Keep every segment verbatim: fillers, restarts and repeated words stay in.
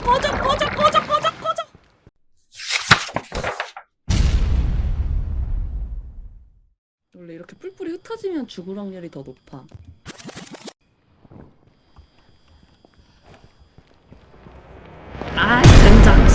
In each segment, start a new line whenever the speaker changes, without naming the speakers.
꺼져 꺼져 꺼져 꺼져 꺼져. 원래 이렇게 뿔뿔이 흩어지면 죽을 확률이 더 높아. 아이 젠장.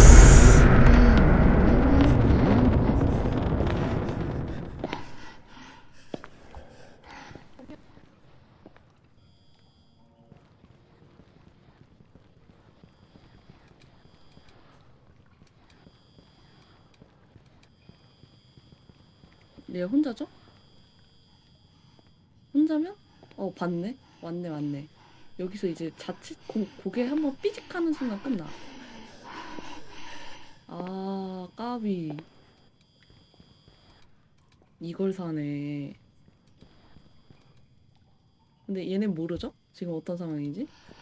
얘 혼자죠? 혼자면? 어 봤네. 왔네 왔네. 여기서 이제 자칫 고, 고개 한번 삐직하는 순간 끝나. 아 까비. 이걸 사네. 근데 얘는 모르죠? 지금 어떤 상황인지?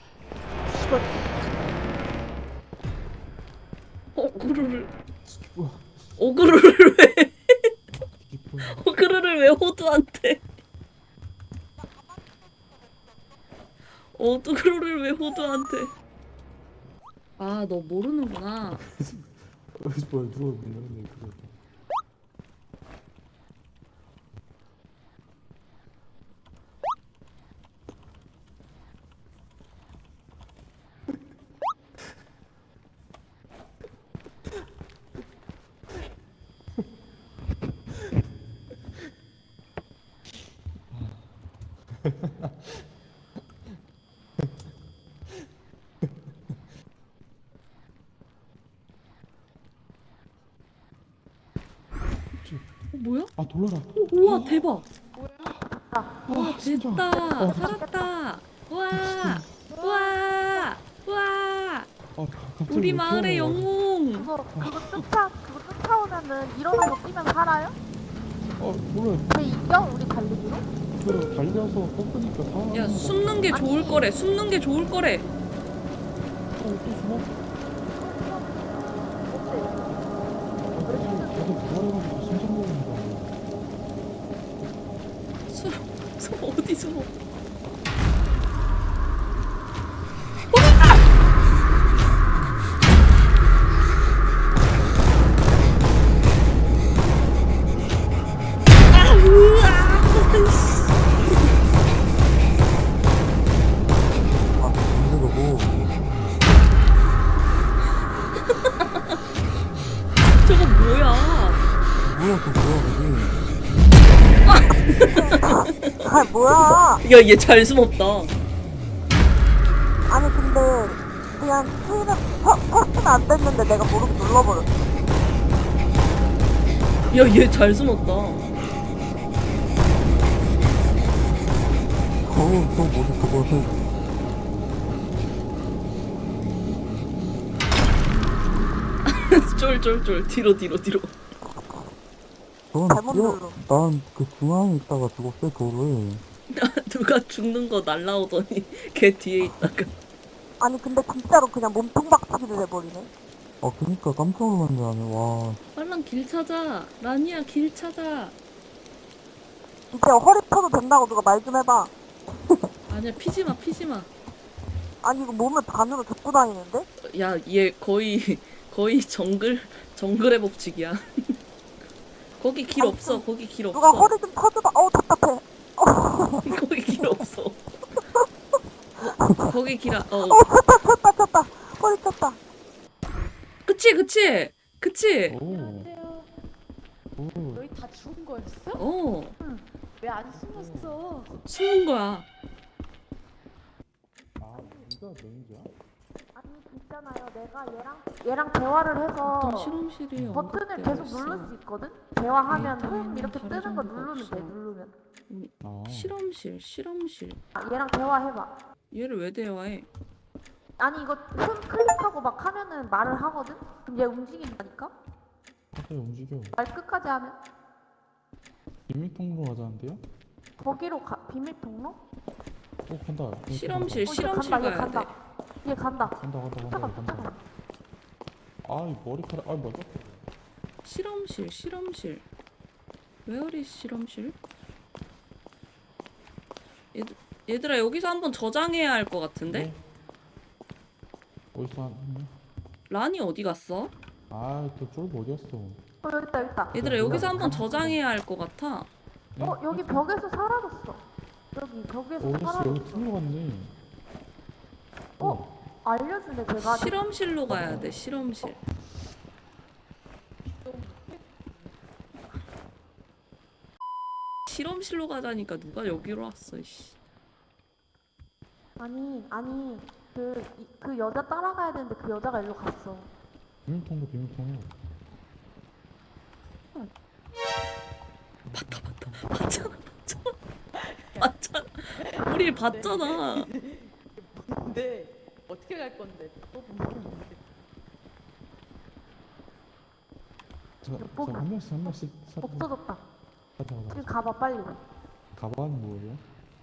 어그루를
우와,
어그루를 왜
이게 뭐야?
어그루를 왜 호두한테? 어그루를 왜 호두한테? 아 너 모르는구나.
그래서 뭐야? 누가 문열었네 그거.
어 뭐야?
아 놀라라.
오, 우와 대박. 와
아, 진짜.
됐다.
어,
살았다. 우와
미친놈.
우와 우와.
아 갑자기
우리
왜
마을의
튀어나와?
영웅.
그거 그거 쫓아 그거 쫓아오면은 일어나서 뛰면 살아요?
아 몰라.
쟤 이겨? 우리 달리기로?
그 달려서 꺾으니까 다.
야 숨는 게 좋을
아니.
거래. 숨는 게 좋을 거래.
어, 또 숨어?
어때?
아, 다들 다들 부활해가지고 심장 먹는 거.
숨, 숨 어디 숨어? 아, 으아!
아 힘들고.
저거 뭐야?
뭐야 또 뭐야 그게?
아 뭐야?
야, 얘 잘 숨었다.
아니 근데 그냥 스위는 터치는 안 됐는데 내가 모르고 눌러버렸어.
야, 얘 잘 숨었다.
어우 또 뭐지 그거.
쫄쫄쫄 뒤로 뒤로 뒤로.
넌
잘못
뛰어.
눌러.
난그 중앙에 있다가 죽었어 돌을.
누가 죽는 거 날라오더니 걔 뒤에 있다가.
아니 근데 진짜로 그냥 몸통 박치기를 해버리네.
아 그니까 깜짝 놀란 줄 아네. 와.
빨랑 길 찾아. 라니야 길 찾아.
이제 허리 펴도 된다고 누가 말 좀 해봐.
아니야 피지 마 피지 마.
아니 이거 몸을 반으로 접고 다니는데?
야, 얘 거의 거의 정글 정글의 법칙이야. 거기 길
아니,
없어.
좀
거기 길
누가
없어.
허리 좀 펴줘봐. 어우 답답해.
거기 길 없어. 거, 거기 길 아, 어.
어 쳤다 쳤다 쳤다. 허리 쳤다.
그치 그치 그치.
오.
안녕하세요.
오.
너희 다 죽은 거였어?
어
왜 안 숨었어?
숨은 거야.
아 네가 매니저야?
아니 있잖아요. 내가 얘랑 얘랑 대화를
어떤
해서
실험실이
버튼을
언급되어
계속
있어.
누를 수 있거든? 대화하면
네,
흠 이렇게
다른
뜨는 거
정보가
누르면 돼
없어.
누르면.
아.
실험실 실험실.
아, 얘랑 대화해봐.
얘를 왜 대화해?
아니 이거 흠 클릭하고 막 하면은 말을 하거든? 그럼 얘 움직인다니까?
갑자기 움직여.
말 끝까지 하면
비밀 통로 가자는데요?
거기로 가 비밀 통로?
어 간다. 비밀
실험실
어, 얘
실험실
간다 얘
가야 돼.
간다. 얘 간다.
간다 간다 간다
쫓아가
간다.
쫓아가.
아이 머리카락. 아 맞아.
실험실 실험실. 웨어리 실험실? 얘들, 얘들아 여기서 한번 저장해야 할 것 같은데?
네. 어디서 한?
란이 어디 갔어?
아또 쫄보 어디였어?
어 여기 있다 여기 있다.
얘들아 여기서 한번 저장해야 할 것 같아.
어 여기 벽에서 사라졌어. 여기 벽에서
오 씨 여기
사라졌어.
틀로 갔네.
어? 알려주네 제가.
실험실로 가야 돼. 실험실. 실험실로 가자니까 누가 여기로 왔어. 씨.
아니 아니 그, 이- 그 여자 따라가야 되는데 그 여자가 일로 갔어.
비밀통도 비밀통이야.
봤다 봤다 봤잖아 봤잖아 봤잖아. 우리 봤잖아.
근데 어떻게 갈 건데? 또 모르는데.
자한 명씩 한 명씩 살짝
없어졌다.
가자
지금
가자.
가봐 빨리.
가방은 뭐예요?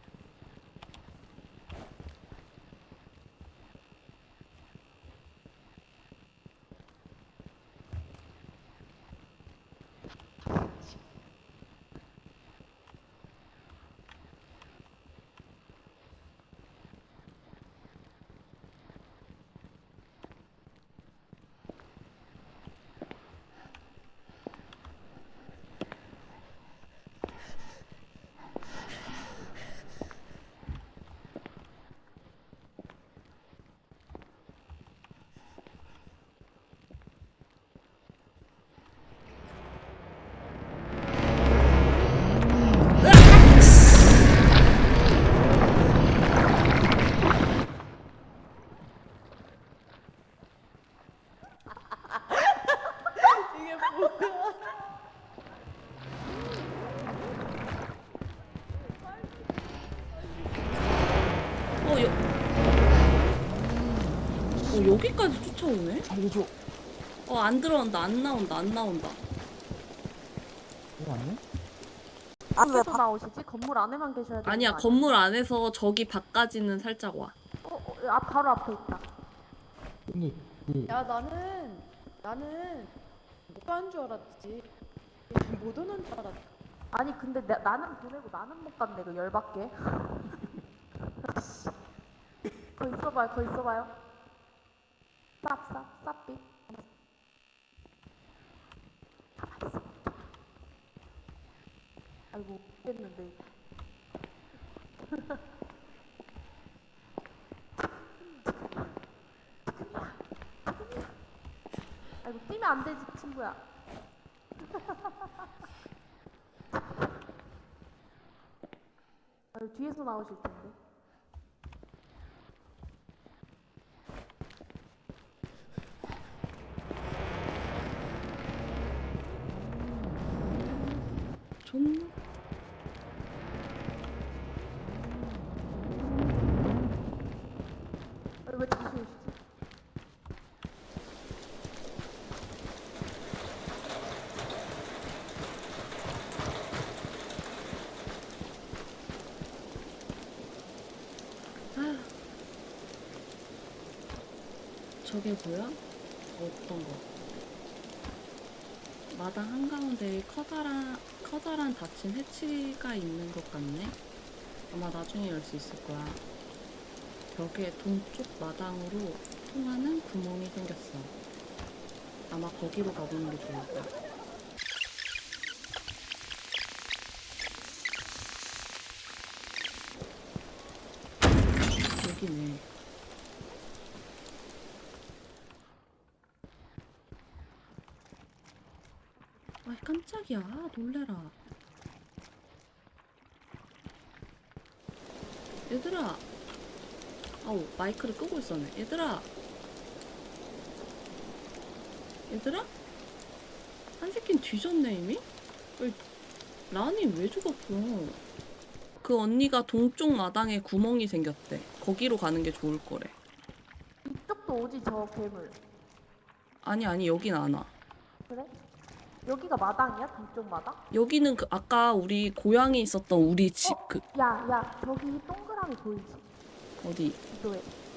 이게 뭐야?
어, 여... 어 여기까지 쫓아오네?
살려줘.
어 안 들어온다. 안 나온다. 안 나온다.
이거 아니야?
앞에서 나오시지? 건물 안에만 계셔야 되는
아니야
거
건물 안에서 저기 밖까지는 살짝 와.
어, 어, 아, 바로 앞에 있다.
근데 그
야 나는 나는 못 가는 줄 알았지. 못 오는 줄 알았지.
아니 근데 나, 나는 보내고 나는 못 간대 그 열받게. 거 있어봐요 거 있어봐요. 쌉쌉 쌉빛. 가만있어. 아이고 됐는데. 아이고 뛰면 안 되지 친구야. 아유 뒤에서 나오실 텐데.
존나.
아유 왜 다시 오시지?
아. 저게 뭐야? 어떤 거? 마당 한가운데에 커다란, 커다란 닫힌 해치가 있는 것 같네? 아마 나중에 열 수 있을 거야. 벽에 동쪽 마당으로 통하는 구멍이 생겼어. 아마 거기로 가보는 게 좋을 거야. 여기네. 아이 깜짝이야. 아, 놀래라. 얘들아. 아우 마이크를 끄고 있었네. 얘들아. 얘들아? 한 새끼는 뒤졌네 이미? 왜, 란이 왜 죽었어? 그 언니가 동쪽 마당에 구멍이 생겼대. 거기로 가는 게 좋을 거래.
이쪽도 오지 저 괴물.
아니 아니 여긴 안 와.
그래? 여기가 마당이야? 동쪽 마당?
여기는 그 아까 우리 고양이 있었던 우리 집 그
야, 야, 저기 동그라미 보이지?
어디
지도에.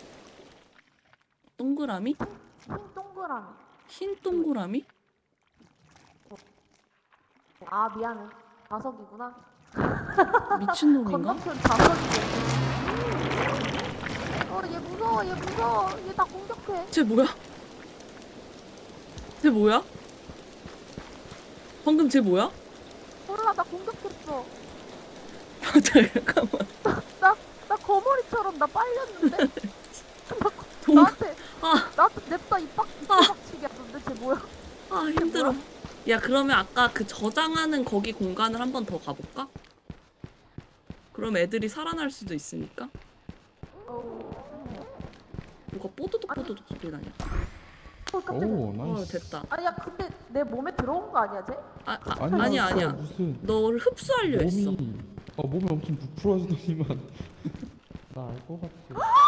동그라미?
흰 동그라미.
흰 동그라미?
아, 미안해. 자석이구나.
미친놈인가?
건너편 자석이네. 어, 얘 무서워, 얘 무서워. 얘 나 공격해.
쟤 뭐야? 쟤 뭐야? 방금 쟤 뭐야?
몰라 나 공격했어.
잠깐만.
나 나 거머리처럼 나 빨렸는데. 나,
동...
나한테
아,
나한테 냅다 입박 입박치기 하던데 쟤 뭐야?
아 힘들어. 야 그러면 아까 그 저장하는 거기 공간을 한 번 더 가볼까? 그럼 애들이 살아날 수도 있으니까. 누가 뽀드득 뽀드득 소리 나냐?
어 깜짝이야.
오
어
나이스.
됐다.
아니야 근데 내 몸에 들어온 거 아니야 쟤?
아, 아
아니야,
아니야 아니야.
무슨
너를 흡수하려 했어.
몸이 어 몸이 엄청 부풀어지더니만 나 알 것 같아.